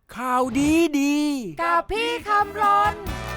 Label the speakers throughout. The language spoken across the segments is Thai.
Speaker 1: ข่าวดีดี
Speaker 2: กับพี่คำรน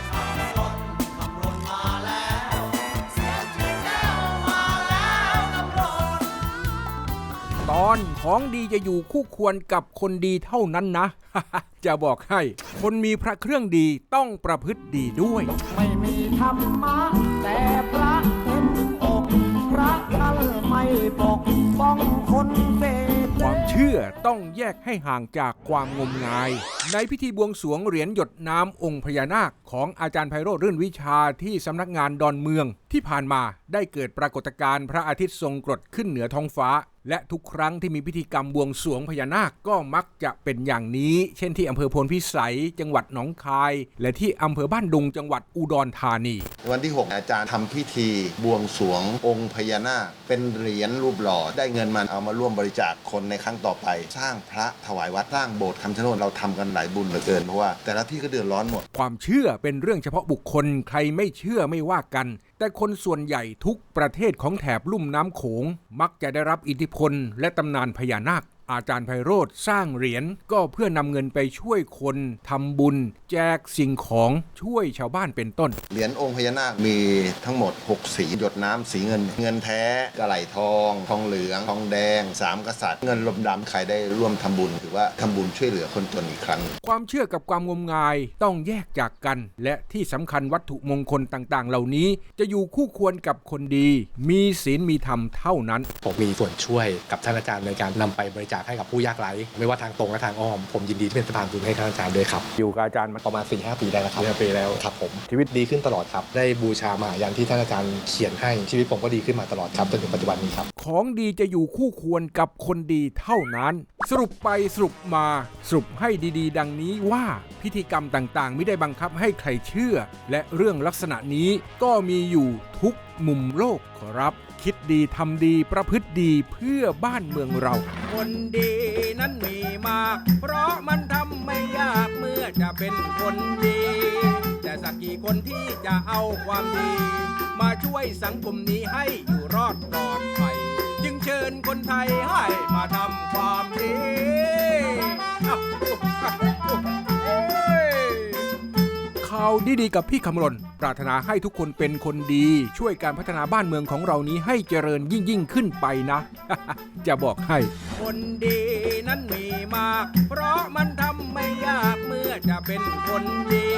Speaker 1: ตอนของดีจะอยู่คู่ควรกับคนดีเท่านั้นนะ จะบอกให้คนมีพระเครื่องดีต้องประพฤติดีด้วย
Speaker 3: ไม่มีธรรมะแต่พระเต็มอกพระท่านไม่ปกป้องคนเสพ
Speaker 1: ความเชื่อต้องแยกให้ห่างจากความงมงายในพิธีบวงสรวงเหรียญหยดน้ำองค์พญานาคของอาจารย์ไพโรจน์รื่นวิชาที่สำนักงานดอนเมืองที่ผ่านมาได้เกิดปรากฏการณ์พระอาทิตย์ทรงกรดขึ้นเหนือท้องฟ้าและทุกครั้งที่มีพิธีกรรมบวงสรวงพญานาคก็มักจะเป็นอย่างนี้เช่นที่อำเภอโพนพิสัยจังหวัดหนองคายและที่อำเภอบ้านดุงจังหวัดอุดรธานี
Speaker 4: วันที่ 6 อาจารย์ทำพิธีบวงสรวงองค์พญานาคเป็นเหรียญรูปหล่อได้เงินมาเอามาร่วมบริจาคคนในครั้งต่อไปสร้างพระถวายวัดสร้างโบสถ์คำชะโนดเราทำกันหลายบุญเหลือเกินเพราะว่าแต่ละที่ก็เดือดร้อนหมด
Speaker 1: ความเชื่อเป็นเรื่องเฉพาะบุคคลใครไม่เชื่อไม่ว่ากันแต่คนส่วนใหญ่ทุกประเทศของแถบลุ่มน้ำโขงมักจะได้รับอิทธิพลและตำนานพญานาคอาจารย์ไพโรจน์สร้างเหรียญก็เพื่อนำเงินไปช่วยคนทำบุญแจกสิ่งของช่วยชาวบ้านเป็นต้น
Speaker 4: เหรียญองค์พญานาคมีทั้งหมด6สีหยดน้ำสีเงินเงินแท้กระไหลทองทองเหลืองทองแดง3กษัตริย์เงินลมดำใครได้ร่วมทำบุญถือว่าทำบุญช่วยเหลือคนจนอีกครั้ง
Speaker 1: ความเชื่อกับความงมงายต้องแยกจากกันและที่สำคัญวัตถุมงคลต่างๆเหล่านี้จะอยู่คู่ควรกับคนดีมีศีลมีธรรมเท่านั้น
Speaker 5: ผมมีส่วนช่วยกับท่านอาจารย์ในการนำไปบริจาคให้กับผู้ยากไร้ไม่ว่าทางตรงและทางอ้อมผมยินดีที่เป็นสะพานบุญให้ท่านอาจารย์ด้วยครับ
Speaker 1: อยู่กับอาจารย์มา
Speaker 5: ประมาณ 4-5 ปีได้แล้วครับ
Speaker 1: 4-5 ปีแล้ว
Speaker 5: ครับผมชีวิตดีขึ้นตลอดครับได้บูชามหายันที่ท่านอาจารย์เขียนให้ชีวิตผมก็ดีขึ้นมาตลอดครับจนถึงปัจจุบันนี้ครับ
Speaker 1: ของดีจะอยู่คู่ควรกับคนดีเท่านั้นสรุปไปสรุปมาสรุปให้ดีๆดังนี้ว่าพิธีกรรมต่างๆไม่ได้บังคับให้ใครเชื่อและเรื่องลักษณะนี้ก็มีอยู่ทุกมุมโลกขอรับคิดดีทำดีประพฤติดีเพื่อบ้านเมืองเราคนดีนั้นมีมากเพราะมันทำไม่ยากเมื่อจะเป็นคนดีแต่สักกี่คนที่จะเอาความดีมาช่วยสังคมนี้ให้อยู่รอดปลอดภัยจึงเชิญคนไทยให้มาทำความดีข่าวดีๆกับพี่คำรณปรารถนาให้ทุกคนเป็นคนดีช่วยการพัฒนาบ้านเมืองของเรานี้ให้เจริญยิ่งขึ้นไปนะ จะบอกให้คนดีนั้นมีมากเพราะมันทำไม่ยากเมื่อจะเป็นคนดี